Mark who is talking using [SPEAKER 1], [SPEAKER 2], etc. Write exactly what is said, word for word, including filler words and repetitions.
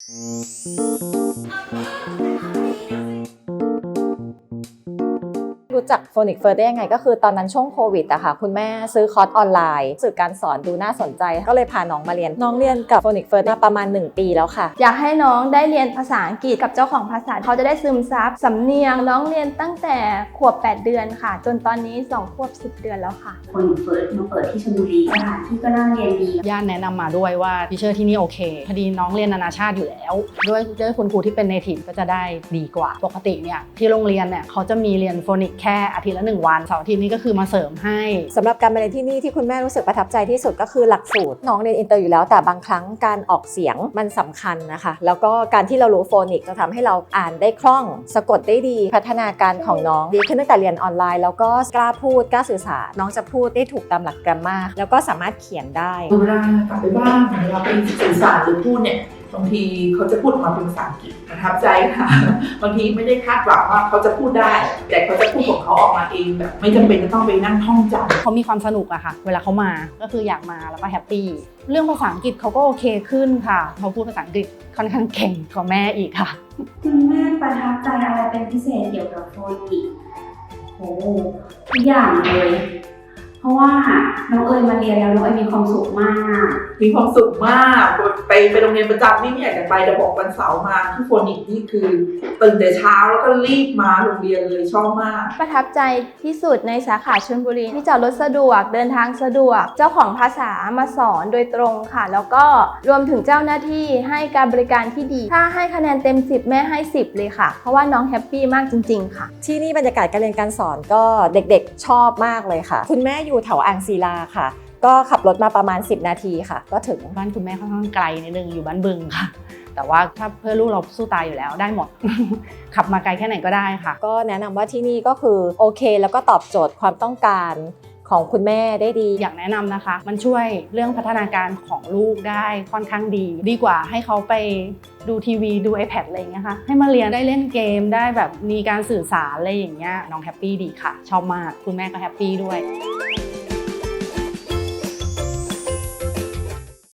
[SPEAKER 1] รู้จัก Phonics First ได้ยังไงก็คือตอนนั้นช่วงโควิดอะค่ะคุณแม่ซื้อคอร์สออนไลน์สื่อการสอนดูน่าสนใจก็เลยพาน้องมาเรียนน้องเรียนกับ Phonics First มาประมาณหนึ่งปีแล้วค่ะ
[SPEAKER 2] อยากให้น้องได้เรียนภาษาอังกฤษกับเจ้าของภาษาเขาจะได้ซึมซับสำเนียงน้องเรียนตั้งแต่ขวบแปดเดือนค่ะจนตอนนี้สองขวบสิบเดือนแล้วค่ะ
[SPEAKER 3] Phonics First มาเปิดที่ชลบุรีสถานที่ก็น่าเรียนดี
[SPEAKER 4] ญาติแนะนำมาด้วยว่าทิเชอร์ที่นี่โอเคพอดีน้องเรียนนานาชาติอยู่แล้วด้วยด้วยคุณครูที่เป็นเนทีฟก็จะได้ดีกว่าปกติเนี่ยที่โรงเรียนเนี่ยเขาจะมีเรียนโฟนิกแค่อาทิตย์ละหนึ่งวันเสาร์อาทิตย์นี้ก็คือมาเสริมให้
[SPEAKER 1] สำหรับการมาเรียนที่นี่ที่คุณแม่รู้สึกประทับใจที่สุดก็คือหลักสูตรน้องเรียนอินเตอร์อยู่แล้วแต่บางครั้งการออกเสียงมันสำคัญนะคะแล้วก็การที่เรารู้โฟนิกจะทำให้เราอ่านได้คล่องสะกดได้ดีพัฒนาการของน้องดีขึ้นตั้งแต่เรียนออนไลน์แล้วก็กล้าพูดกล้าสื่อสารน้องจะพูดได้ถูกตามหลักแกรมมาแล้วก็สามารถเขียนได้
[SPEAKER 5] เวลากลับไปบ้านเวลาไปสื่อสารหรือพูดเนี่ยบางทีเขาจะพูดออกมาเป็นภาษาอังกฤษประทับใจค่ะบางทีไม่ได้คาดหวังว่าเขาจะพูดได้แต่เขาจะพูดของเขาออกมาเองแบบไม่จำเป็นจะต้องไปนั่งท่องจำ
[SPEAKER 4] เขามีความสนุกอะค่ะเวลาเขามาก็คืออยากมาแล้วก็แฮปปี้เรื่องภาษาอังกฤษเขาก็โอเคขึ้นค่ะเขาพูดภาษาอังกฤษค่อนข้างเก่งกว่าแม่อีกค่ะ
[SPEAKER 3] คุณแม่ประทับใจอะไรเป็นพิเศษเกี่ยวกับโฟนิกส์โอ้ทุกอย่างเลยเพราะว่าน้องเอ๋ยมาเรียนแล้วน้องเอ๋ยมีความสุขมาก
[SPEAKER 5] มีความสุขมากไปไปโรงเรียนประจำนี่ไม่อยากจะไปแต่บอกวันเสาร์มาที่โฟนิกส์นี่คือตื่นแต่เช้าแล้วก็รีบมาโรงเรียนเลยชอบมาก
[SPEAKER 2] ประทับใจที่สุดในสาขาชลบุรีที่จอดรถสะดวกเดินทางสะดวกเจ้าของภาษามาสอนโดยตรงค่ะแล้วก็รวมถึงเจ้าหน้าที่ให้การบริการที่ดีถ้าให้คะแนนเต็มสิบแม่ให้สิบเลยค่ะเพราะว่าน้องแฮปปี้มากจริงๆค่ะ
[SPEAKER 1] ที่นี่บรรยากาศการเรียนการสอนก็เด็กๆชอบมากเลยค่ะคุณแม่อยู่แถวอ่างศิลาค่ะก็ขับรถมาประมาณสิบนาทีค่ะก็ถึง
[SPEAKER 4] บ้านคุณแม่ค่อนข้างไกลนิดนึงอยู่บ้านบึงค่ะแต่ว่าถ้าเพื่อลูกเราสู้ตายอยู่แล้วได้หมด ขับมาไกลแค่ไหนก็ได้ค่ะ
[SPEAKER 1] ก็แนะนำว่าที่นี่ก็คือโอเคแล้วก็ตอบโจทย์ความต้องการของคุณแม่ได้ดี
[SPEAKER 4] อยากแนะนำนะคะมันช่วยเรื่องพัฒนาการของลูกได้ค่อนข้างดีดีกว่าให้เขาไปดูทีวีดู iPad อะไรอย่างเงี้ยค่ะให้มาเรียนได้เล่นเกมได้แบบมีการสื่อสารอะไรอย่างเงี้ยน้องแฮปปี้ดีค่ะชอบมากคุณแม่ก็แฮปปี้ด้วย